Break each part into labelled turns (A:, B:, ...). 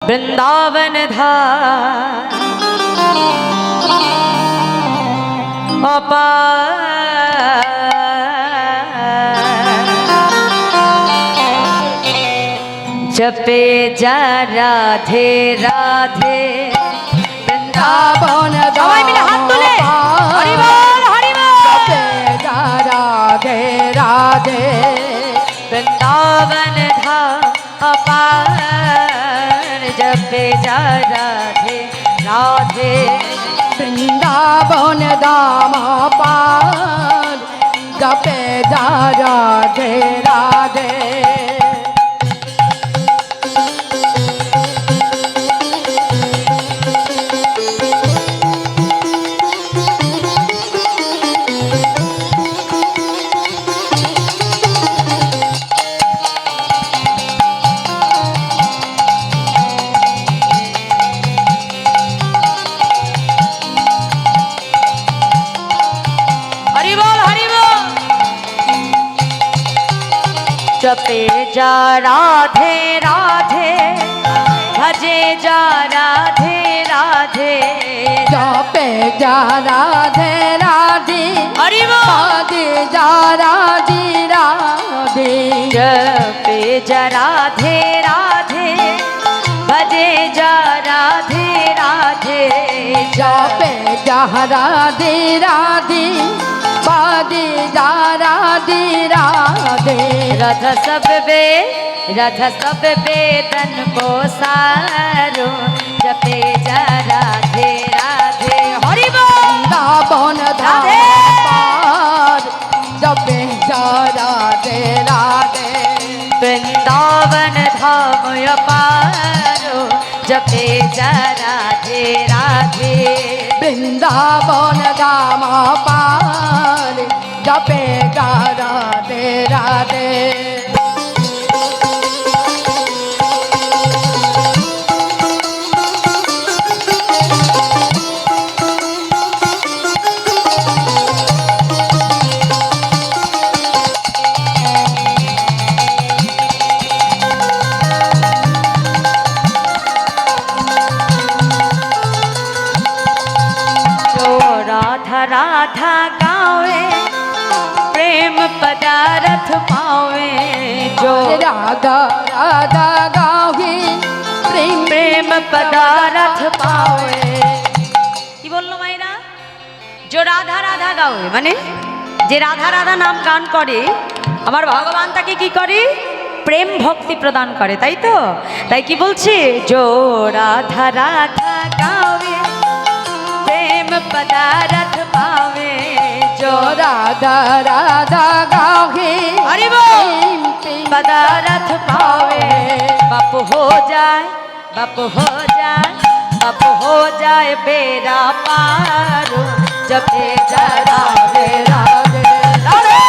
A: वृंदावन धाम जपे जा राधे राधे
B: वृंदावन
A: सबाई मिले हाथ तुले हरि बोल हरि बोल
B: जपे जा राधे राधे
A: वृंदावन धाम अपार जपे जा राधे राधे
B: वृंदावन धाम पार जपे जा राधे राधे
A: जपे जा राधे राधे भजे जा राधे राधे
B: जपे जा राधे राधे
A: हरि बोल
B: भजे जा राधे राधे
A: जपे जा राधे राधे भजे जा राधे राधे
B: जपे जा राधे राधे भजे जा राधे राधे
A: रथ सब बेदन को सारो जपे जा राधे राधे हरि बोल
B: वृंदावन धाम पार जपे जा राधे राधे
A: वृंदावन धाम अपारो जपे जा राधे राधे
B: वृंदावन धाम पार जपे जा राधे राधे
A: राधा गावे प्रेम पदारथ पावे जो
B: राधा राधा गावे प्रेम
A: प्रेम पदारथ पावे কি বললো মাইরা जो राधा राधा गावे মানে যে রাধা রাধা নাম গান করে আমার ভগবান তাকে কি করে প্রেম ভক্তি প্রদান করে তাই তো তাই কি বলছে जो राधा राधा गावे प्रेम पदारथ पावे जो
B: राधा राधा गावे
A: हरि बोल पदारथ पावे बाप हो जाए बाप हो जाए बाप हो जाए बेरा पार जपे जा राधे राधे राधे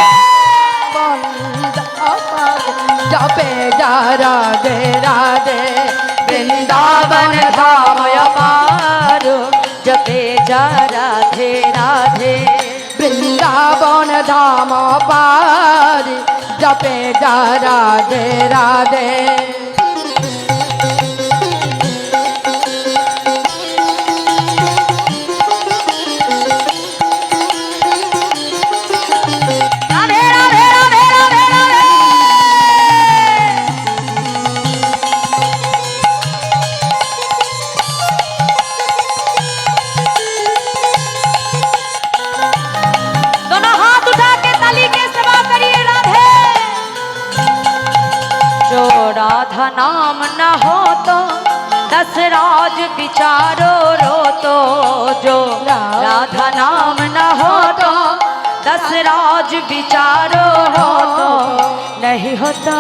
B: जपे जा राधे राधे
A: वृंदावन धाम अपार जपे जा राधे राधे
B: वृंदावन धाम पार जपे जा राधे राधे
A: राधे राधे राधे राधे राधे दोनों हाथ उठा के ताली के सेवा करिए राधे जो राधा नाम न हो तो दस राज विचारो रो तो जो राधा नाम न हो तो दस राज विचारो हो तो नहीं होता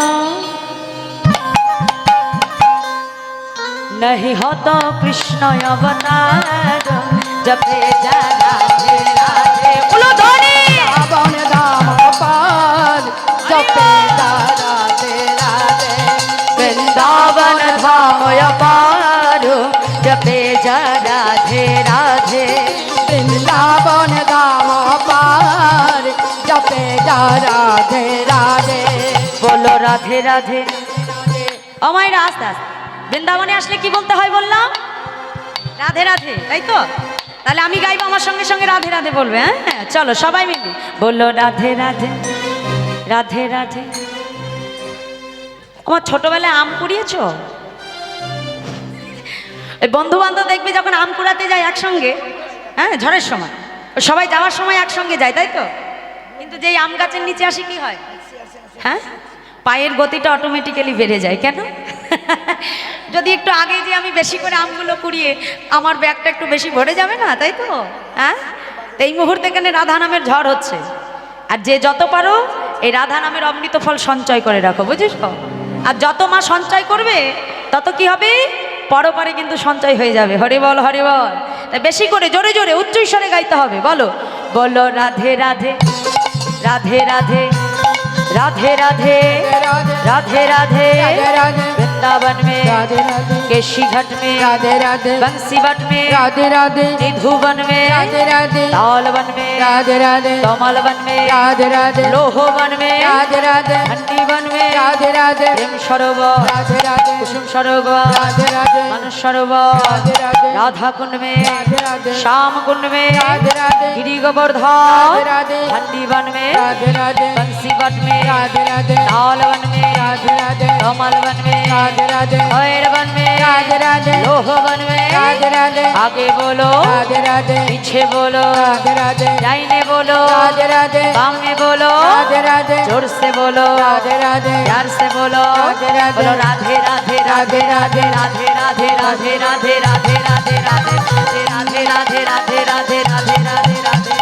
A: नहीं होता कृष्ण अवतार जपे जा राधे राधे बोलो धोनी
B: वृंदावन धाम पार जपे जा राधे राधे
A: वृंदावन धाम अपार जपे जा राधे राधे
B: वृंदावन धाम पार जपे जा राधे राधे
A: बोलो राधे राधे अमाय आस्ते आस्ते বৃন্দাবনে আসলে কি বলতে হয় বললাম? রাধে রাধে, তাই তো? তাহলে আমি গাইবো, আমার সঙ্গে সঙ্গে রাধে রাধে বলবে। হ্যাঁ চলো সবাই মিলে বললো রাধে রাধে রাধে রাধে। আমার ছোটবেলায় আম কুড়িয়েছো? বন্ধু বান্ধব দেখবে যখন আম কুড়াতে যায় একসঙ্গে, হ্যাঁ ঝড়ের সময়, সবাই যাওয়ার সময় একসঙ্গে যায়, তাই তো? কিন্তু যেই আম গাছের নিচে আসি কি হয়? হ্যাঁ, পায়ের গতিটা অটোমেটিক্যালি বেড়ে যায়। কেন? যদি একটু আগে যে আমি বেশি করে আমগুলো কুড়িয়ে আমার ব্যাগটা একটু বেশি ভরে যাবে না, তাই তো? হ্যাঁ, এই মুহূর্তে এখানে রাধা নামের ঝড় হচ্ছে, আর যে যত পারো এই রাধা নামের অমৃত ফল সঞ্চয় করে রাখো, বুঝিস? আর যত মা সঞ্চয় করবে তত কি হবে? পরপারে কিন্তু সঞ্চয় হয়ে যাবে। হরি বল হরি বল। তাই বেশি করে জোরে জোরে উচ্চ স্বরে গাইতে হবে। বলো বলো রাধে রাধে রাধে রাধে राधे राधे राधे राधे वृंदावन में केशी घाट में
B: राधे राधे
A: बंसी बट में
B: राधे राधे
A: निधुवन में
B: राधे राधे
A: तालवन में
B: राधे राधे
A: तमलवन में
B: राधे राधे
A: लोहवन में
B: राधे राधे
A: हंडीवन में
B: राधे राधे
A: प्रेम सरोवर
B: राधे राधे
A: कुसुम सरोवर
B: राधे राधे
A: मानस सरोवर
B: राधे राधे
A: राधा कुंड में
B: राधे राधे
A: श्याम कुंड में
B: राधे राधे
A: गिरी गोवर्धन
B: राधे राधे
A: हंडीवन में
B: राधे राधे
A: बंसी बट में
B: राधे राधे
A: तालवन में
B: राधे राधे
A: कमलवन में
B: राधे राधे
A: भैरवन में
B: राधे राधे
A: लोहवन में
B: राधे राधे
A: आगे बोलो
B: राधे राधे
A: पीछे बोलो
B: राधे राधे
A: दाहिने बोलो
B: राधे राधे
A: सामने बोलो
B: राधे राधे
A: जोर से बोलो
B: राधे राधे
A: प्यार से बोलो
B: राधे राधे
A: बोलो राधे राधे राधे राधे राधे राधे राधे राधे राधे राधे राधे राधे राधे राधे राधे राधे राधे राधे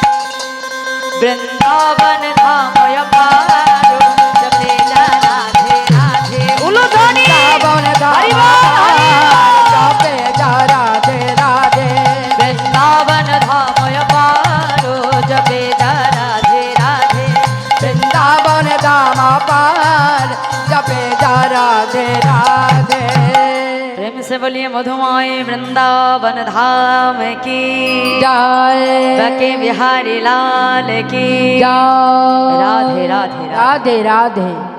A: वृंदावन धाम अपारो जपे जा राधे राधे बोलो ध्वनि
B: वृंदावन
A: हरि
B: धाम जपे जा राधे राधे
A: वृंदावन धाम अपारो जपे जा राधे राधे
B: वृंदावन धाम पार जपे जा राधे राधे।
A: प्रेम से बोलिए मधुमाय वृंदावन धाम की
B: जय
A: बके बिहारी लाल की
B: जय
A: राधे राधे राधे।
B: राधे राधे।